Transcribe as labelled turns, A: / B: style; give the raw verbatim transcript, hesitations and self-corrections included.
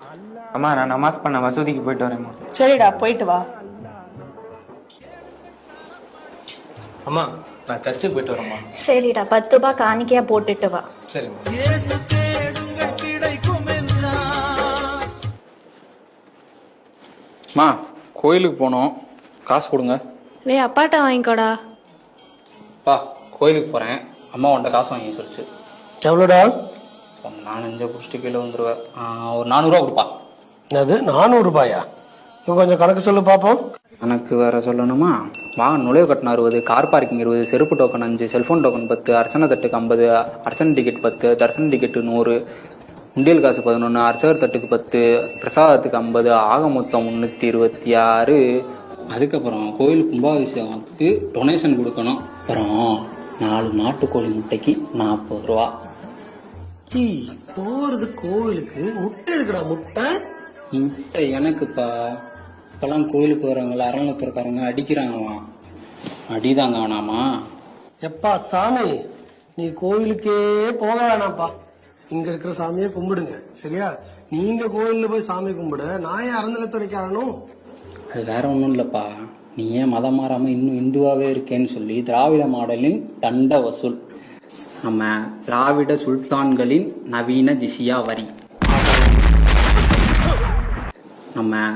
A: அம்மா நான் நமாஸ் பண்ண மசூதிக்கு போயிட்டு வரேம்மா.
B: சரிடா போயிட்டு வா.
C: அம்மா நான் சர்ச்சுக்கு போயிட்டு வரேம்மா.
D: சரிடா, பத்து ரூபாய் காணிக்கையா போட்டுட்டு வா.
C: சரிம்மா.
E: அம்மா கோயிலுக்கு போனோம், காசு கொடுங்க.
F: டேய் அப்பாட்ட வாங்கிக்கோடா.
E: பா கோயிலுக்கு போகிறேன், அம்மா உன்ட்ட காசு வாங்கி சொல்லிச்சு.
G: எவ்வளோடா?
E: ஒரு நாலஞ்சு குடிச்சிட்டு கீழே வந்துடுவேன். ஒரு நானூறுரூவா கொடுப்பா.
G: என்னது நானூறு ரூபாயா? இப்போ கொஞ்சம் கணக்கு சொல்லு பார்ப்போம்.
E: எனக்கு வேற சொல்லணுமா? வாங்க நுழைவு கட்டணம் அறுபது, கார் பார்க்கிங் இருபது, செருப்பு டோக்கன் அஞ்சு, செல்ஃபோன் டோக்கன் பத்து, அர்ச்சனை தட்டுக்கு ஐம்பது, அர்ச்சனை டிக்கெட் பத்து, தரிசன டிக்கெட்டு நூறு, உண்டியல் காசு பதினொன்று, அர்ச்சகர் தட்டுக்கு பத்து, பிரசாதத்துக்கு ஐம்பது, ஆக மொத்தம் முந்நூற்றி இருபத்தி ஆறு. அதுக்கப்புறம் கோயில் கும்பாபிஷேகத்துக்கு டொனேஷன் கொடுக்கணும். அப்புறம் நாலு நாட்டுக்கோழி முட்டைக்கு நாற்பது ரூபா.
G: போறது கோவிலுக்கு முட்டை இருக்குடா. முட்டை
E: முட்டை எனக்குப்பா. இப்பெல்லாம் கோயிலுக்கு வரவங்கள அறநிலையத்துறக்காரங்க அடிக்கிறாங்களாம். அடிதாங்க வேணாமா?
G: எப்பா சாமி, நீ கோவிலுக்கே போக வேணாம்ப்பா. இங்க இருக்கிற சாமியை கும்பிடுங்க சரியா? நீங்க கோயில்ல போய் சாமி கும்பிட நான் ஏன் அறநிலையத்துறைக்காரனும்?
E: அது வேற ஒன்றும் இல்லைப்பா, நீ ஏன் மதம் மாறாம இன்னும் இந்துவாவே இருக்கேன்னு சொல்லி திராவிட மாடலின் தண்ட வசூல், நம்ம திராவிட சுல்தான்களின் நவீன ஜிசியா வரி, நம்ம